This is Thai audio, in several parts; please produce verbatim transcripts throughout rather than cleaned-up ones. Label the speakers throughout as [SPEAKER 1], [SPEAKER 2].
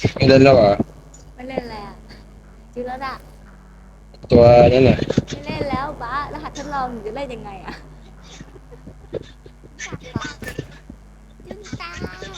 [SPEAKER 1] ไม่เล่นแล้วเหรอ
[SPEAKER 2] ไม่เล่นแล้วจืดแล้วอะ
[SPEAKER 1] ตัวนั่นน่ะ
[SPEAKER 2] ไม่เล่นแล้วบ้ารหัสทดลองหนูจะเล่นยังไงอะจุนตา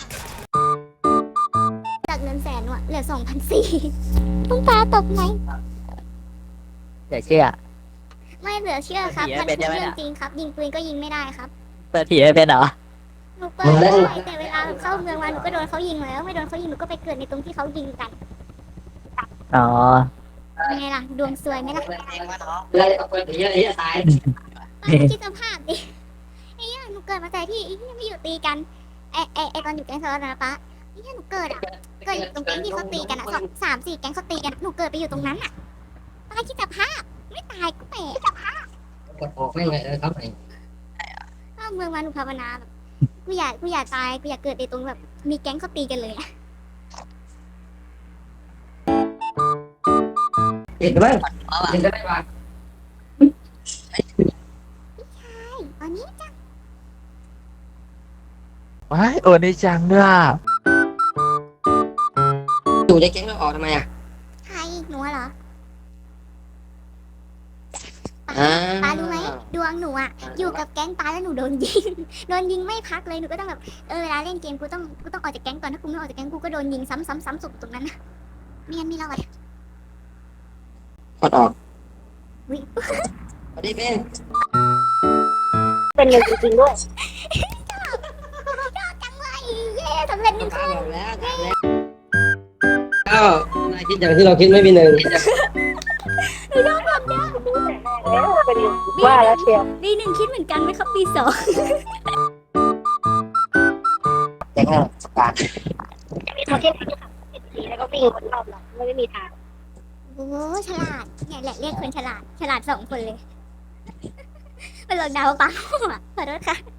[SPEAKER 2] จากเงินแสนว่ะเหลือสองพันสี่ต้องตาตกไหม
[SPEAKER 3] เดี๋ยวเชื่อ
[SPEAKER 2] ไม่เหลือเชื่อครับมันคือเรื่องจริงครับยิงปืนก็ยิงไม่ได้ครับ
[SPEAKER 3] เปิดผีไม่เป็นเหรอ
[SPEAKER 2] หนูเปิดได้แต่เวลาเข้าเมืองมาหนูก็โดนเขายิงแล้วไม่โดนเขายิงหนูก็ไปเกิดในตรงที่เขายิงกัน
[SPEAKER 3] อ๋อ
[SPEAKER 2] ยังไงล่ะดวงซวยไหมล่ะ
[SPEAKER 3] แล้วเปิดผีอะไรจะตาย
[SPEAKER 2] ป้าคิดสภาพดิไอ้เหี้ยหนูเกิดมาแต่ที่ไอ้เหี้ยไม่อยู่ตีกันไอ้ไอ้ไอ้ตอนอยู่แก๊งโซลนะป้าไอ้เหี้ยหนูเกิดอ่ะเกิดอยู่ตรงแก๊งที่เขาตีกันอ่ะสองสามสี่แก๊งเขาตีกันหนูเกิดไปอยู่ตรงนั้นอ่ะป้าคิดสภาพไม่ตายก็แปลก
[SPEAKER 3] กดออกไม่เลยครับไอ้
[SPEAKER 2] เข้าเมืองมาหนูภาวนาแบบกูอยากกูอยากตายกูอยากเกิดในตรงแบบมีแก๊งเขาตีกันเลยอ่ะ
[SPEAKER 3] เห็นไหมเห็นได้ป่ะ
[SPEAKER 2] ใช่ตอนนี้จ้ะ
[SPEAKER 4] ว้ายโอ้นี่จังด้วย
[SPEAKER 3] อยู่ในแก๊งเราออกทำไมอ่ะ
[SPEAKER 2] ใครหนูเหรอ
[SPEAKER 3] อ่า
[SPEAKER 2] ป้ารู้ไหมดวงหนูอะอยู่กับแก๊งป้าแล้วหนูโดนยิงโดนยิงไม่พักเลยหนูก็ต้องแบบเออเวลาเล่นเกมกูต้องกูต้องออกจากแก๊งก่อนถ้ากูไม่ออกจากแก๊งกูก็โดนยิงซ้ำซ้ำซ้ำสุดตรงนั้นนะไม่งั้นไม่รอด
[SPEAKER 3] กดออก
[SPEAKER 2] วิ
[SPEAKER 3] สวัสดีเป็น
[SPEAKER 2] เป็นเลยจริงๆด้วยชอบชอบจังเลยเย้สำเร็จหนึ่งข้อ
[SPEAKER 3] แล้วแล้วนายคิดอย่างที่เราคิดไม่มีหนึ่ง
[SPEAKER 2] หนูชอบความยาก
[SPEAKER 5] ว่าแล้วเชียว
[SPEAKER 2] ปีหนึ่งคิดเหมือนกันไหมครับปีสอง
[SPEAKER 3] แก๊งเราสการ
[SPEAKER 5] มีโทเค็นสีแล้วก็วิ่งคนรอบหลังไม่มีทาง
[SPEAKER 2] โอ้ฉลาดเนี่ยแหละเรียกคนฉลาดฉลาดสองคนเลยเป็นหลอกดาวป้าขอโทษค่ะ